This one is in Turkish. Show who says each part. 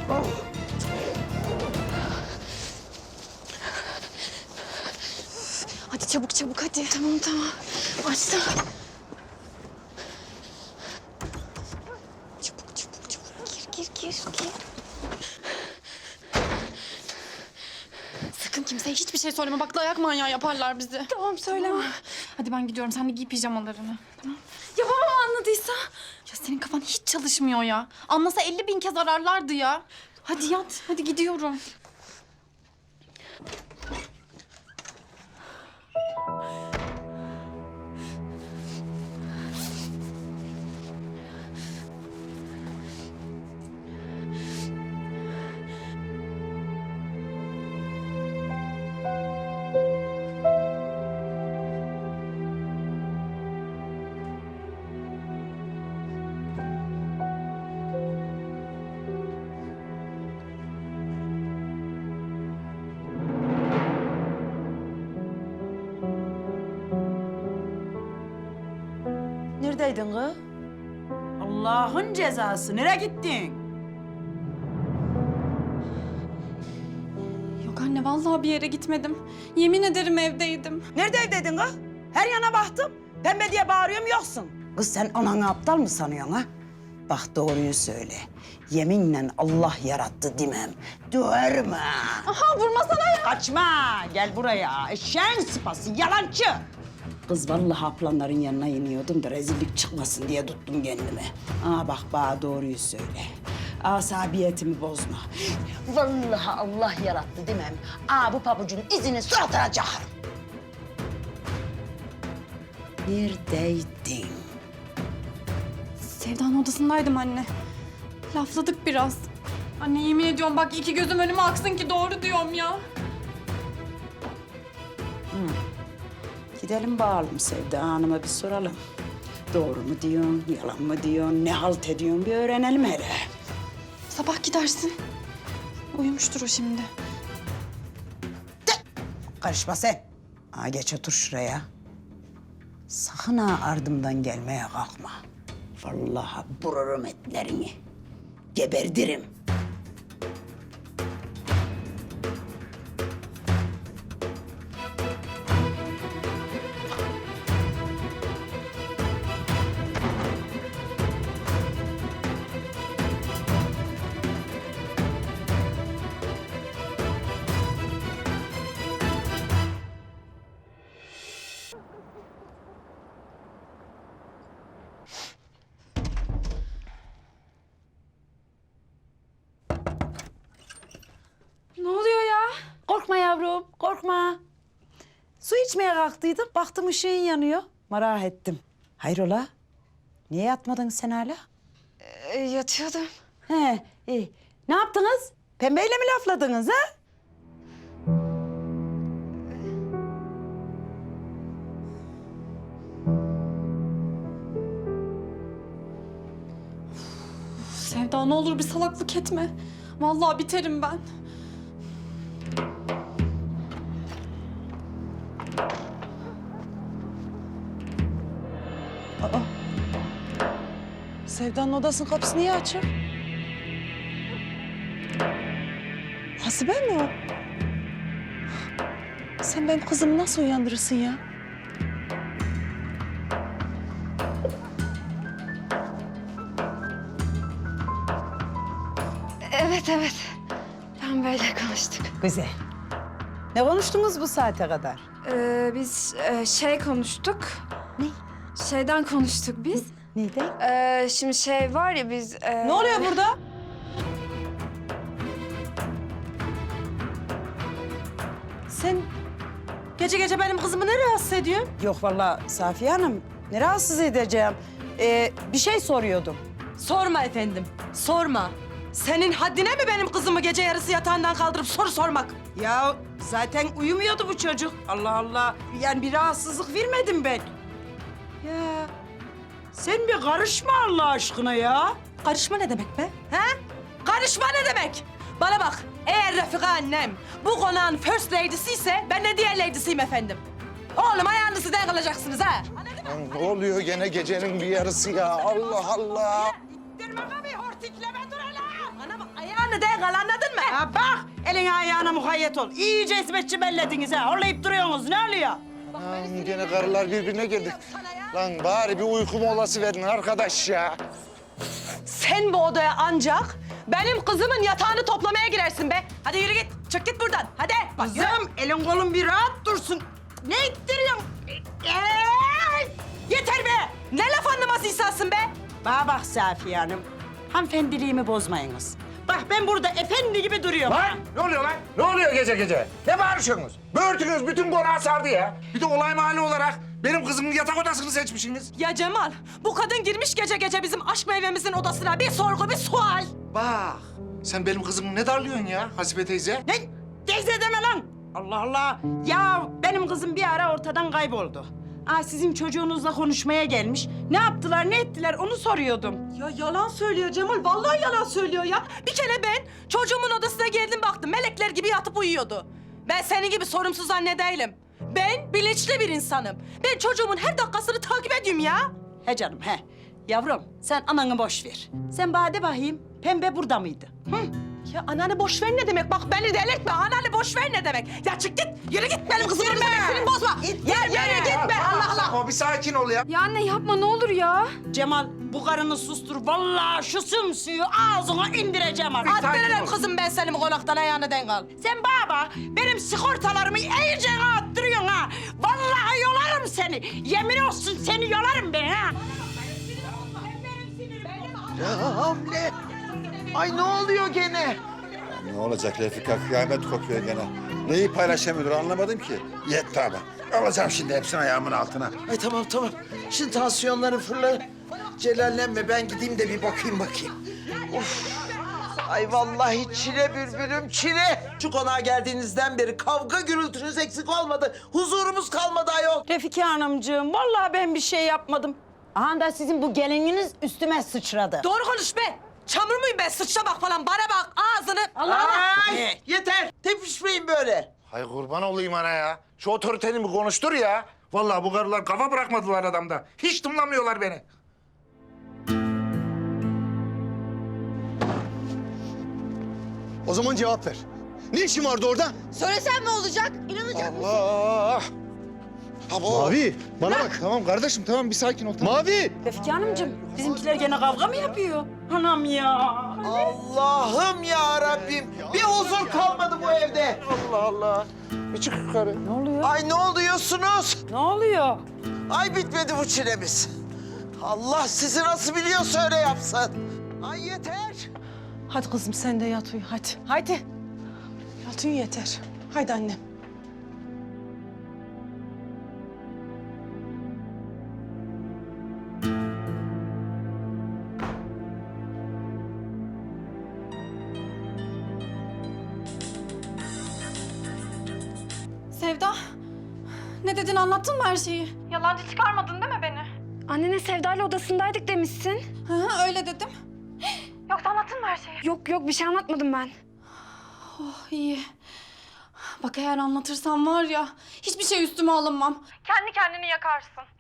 Speaker 1: Hadi çabuk çabuk hadi. Tamam tamam. Açtım. Çabuk çabuk çabuk. Gir.
Speaker 2: Sakın kimseye hiçbir şey söyleme. Bak dayak manyağı yaparlar bizi.
Speaker 1: Tamam söyleme.
Speaker 2: Hadi ben gidiyorum. Sen de giy pijamalarını. Tamam.
Speaker 1: Ya babam anladıysa?
Speaker 2: Ya senin kafan hiç çalışmıyor ya. Anlasa 50.000 kez ararlardı ya. Hadi yat. Hadi gidiyorum.
Speaker 3: Neredeydin kız? Allah'ın cezası. Nereye gittin?
Speaker 2: Yok anne vallahi bir yere gitmedim. Yemin ederim evdeydim.
Speaker 3: Nerede evdeydin kız? Her yana baktım. Pembe diye bağırıyorum yoksun. Kız sen ananı aptal mı sanıyorsun ha? Bak doğruyu söyle. Yeminle Allah yarattı demem. Döverim ha.
Speaker 2: Aha vurmasana ya.
Speaker 3: Kaçma. Gel buraya. Eşeğin sıpası. Yalancı. Kız vallahi aplanların yanına iniyordum da rezillik çıkmasın diye tuttum kendimi. Bak bana doğruyu söyle. Asabiyetimi bozma. Vallahi Allah yarattı demem. Bu pabucun izini suratına çakarım. Neredeydin?
Speaker 2: Sevda'nın odasındaydım anne. Lafladık biraz. Anne yemin ediyorum bak iki gözüm önüme aksın ki doğru diyorum ya.
Speaker 3: Gidelim bağalım Sevda Hanım'a bir soralım. Doğru mu diyorsun, yalan mı diyorsun, ne halt ediyorsun bir öğrenelim hele.
Speaker 2: Sabah gidersin. Uyumuştur o şimdi.
Speaker 3: Karışma sen. Geç otur şuraya. Sakın ha ardımdan gelmeye kalkma. Vallahi vururum etlerini. Geberdirim.
Speaker 1: Ne oluyor ya?
Speaker 3: Korkma yavrum, korkma. Su içmeye kalktıydım, baktım ışığın yanıyor. Merak ettim. Hayrola? Niye yatmadın sen hala?
Speaker 1: Yatıyordum.
Speaker 3: He, iyi. Ne yaptınız? Pembeyle mi lafladınız ha?
Speaker 2: Sevda ne olur bir salaklık etme. Vallahi biterim ben.
Speaker 3: Sevda'nın odasının kapısı niye açık? Hasibe mi o? Sen benim kızımı nasıl uyandırırsın ya?
Speaker 1: Evet. Ben böyle konuştuk.
Speaker 3: Güzel. Ne konuştunuz bu saate kadar?
Speaker 1: Biz şey konuştuk.
Speaker 3: Ne?
Speaker 1: Şeyden konuştuk biz.
Speaker 3: Neydi?
Speaker 1: Şimdi şey var ya biz...
Speaker 3: Ne oluyor burada? Sen gece gece benim kızımı ne rahatsız ediyorsun? Yok vallahi Safiye Hanım, ne rahatsız edeceğim? Bir şey soruyordum.
Speaker 4: Sorma efendim, sorma. Senin haddine mi benim kızımı gece yarısı yatağından kaldırıp soru sormak?
Speaker 3: Ya zaten uyumuyordu bu çocuk. Allah Allah. Yani bir rahatsızlık vermedim ben. Ya sen bir karışma Allah aşkına ya.
Speaker 4: Karışma ne demek be? He? Karışma ne demek? Bana bak, eğer Refika annem bu konağın first lady'si ise ben de diğer lady'siyim efendim. Oğlum ayağınızı sizden kalacaksınız ha.
Speaker 5: Lan ne oluyor gene gecenin bir yarısı ya? Allah Allah.
Speaker 4: İttirme kapıyı, hortikleme dur hele. Bana bak, ayağını yani değil anladın mı?
Speaker 3: Ha bak, eline ayağına mukayyet ol. İyice hizmetçi bellediniz ha. Horlayıp duruyorsunuz, ne oluyor?
Speaker 5: Lan gene karılar birbirine girdi. Lan bari bir uyku molası verin arkadaş ya.
Speaker 4: Sen bu odaya ancak benim kızımın yatağını toplamaya girersin be. Hadi yürü git. Çık git buradan. Hadi. Bak, yürü.
Speaker 3: Kızım, elin kolun bir rahat dursun. Ne ittiriyorsun?
Speaker 4: Yeter be. Ne laf anlaması insansın be.
Speaker 3: Bana bak Safiye Hanım, hanımefendiliğimi bozmayınız. Bak ben burada efendi gibi duruyorum.
Speaker 5: Lan ne oluyor lan? Ne oluyor gece gece? Ne bağırıyorsunuz? Böğürtünüz bütün konağı sardı ya. Bir de olay mahalli olarak benim kızımın yatak odasını seçmişsiniz.
Speaker 4: Ya Cemal, bu kadın girmiş gece gece bizim aşk meyvemizin odasına. Bir sorgu, bir sual.
Speaker 5: Bak sen benim kızımı ne darlıyorsun ya Hasibe teyze?
Speaker 3: Ne? Teyze deme lan! Allah Allah! Ya benim kızım bir ara ortadan kayboldu. Sizin çocuğunuzla konuşmaya gelmiş. Ne yaptılar, ne ettiler onu soruyordum.
Speaker 4: Ya yalan söylüyor Cemal, vallahi yalan söylüyor ya. Bir kere ben çocuğumun odasına geldim baktım, melekler gibi yatıp uyuyordu. Ben senin gibi sorumsuz anne değilim. Ben bilinçli bir insanım. Ben çocuğumun her dakikasını takip ediyorum ya.
Speaker 3: He canım he. Yavrum sen ananı boş ver. Sen bana de bakayım, Pembe burada mıydı? Hı?
Speaker 4: Ya ananı boş ver ne demek? Bak beni delirtme, ananı boş ver ne demek? Ya çık git, yürü git benim kızımın üzerine bozma. Ya yürü git be, Allah Allah.
Speaker 5: O bir sakin ol ya.
Speaker 1: Ya anne yapma ne olur ya.
Speaker 3: Cemal bu karını sustur. Vallahi şu sümsüğü ağzına indireceğim artık.
Speaker 4: Attırırım kızım ben seni bu konaktan ayağını denk al.
Speaker 3: Sen baba benim sigortalarımı iyice attırıyorsun ha. Vallahi yolarım seni. Yemin olsun seni yolarım ben ha.
Speaker 6: Ya Hamle! Ay ne oluyor gene?
Speaker 7: Ne olacak Refika? Kıyamet kopuyor gene. Neyi paylaşamıyordur anlamadım ki. Yetti ama. Alacağım şimdi hepsini ayağımın altına.
Speaker 6: Ay tamam tamam. Şimdi tansiyonları fırla. Celallenme ben gideyim de bir bakayım. Of. Ay vallahi çile bülbülüm çile. Şu konağa geldiğinizden beri kavga gürültünüz eksik olmadı. Huzurumuz kalmadı ayol.
Speaker 3: Refika Hanımcığım vallahi ben bir şey yapmadım. Aha da sizin bu gelininiz üstüme sıçradı.
Speaker 4: Doğru konuş be. Çamur muyum ben? Sıçramak falan. Bana bak ağzını. Allah Allah.
Speaker 6: Ay yeter. Tepişmeyin böyle.
Speaker 5: Hay kurban olayım ana ya. Şu otoriteni bir konuştur ya. Vallahi bu karılar kafa bırakmadılar adamda. Hiç tımlamıyorlar beni.
Speaker 8: O zaman cevap ver. Ne işin vardı orada?
Speaker 1: Söylesem ne olacak? İnanacak mısın?
Speaker 5: Allah!
Speaker 8: Mavi, bana bak.
Speaker 5: Tamam kardeşim tamam bir sakin ol. Tamam.
Speaker 8: Mavi!
Speaker 3: Refika Hanımcığım bizimkiler gene kavga mı yapıyor? Anam ya.
Speaker 6: Allah'ım ya Rabbim. Bir huzur kalmadı bu evde.
Speaker 5: Allah Allah. Bir çık yukarı.
Speaker 3: Ne oluyor?
Speaker 6: Ay ne oluyorsunuz?
Speaker 3: Ne oluyor?
Speaker 6: Ay bitmedi bu çilemiz. Allah sizi nasıl biliyorsa öyle yapsın. Ay yeter.
Speaker 4: Hadi kızım sen de yat uyu hadi. Haydi. Yat uyu yeter. Haydi annem.
Speaker 2: Sevda, ne dedin anlattın mı her şeyi? Yalancı çıkarmadın değil mi beni?
Speaker 1: Annene Sevda'yla odasındaydık demişsin.
Speaker 2: Hı, öyle dedim. Yoksa anlattın mı her şeyi?
Speaker 1: Yok yok bir şey anlatmadım ben.
Speaker 2: Oh iyi. Bak eğer anlatırsam var ya hiçbir şey üstüme alınmam. Kendi kendini yakarsın.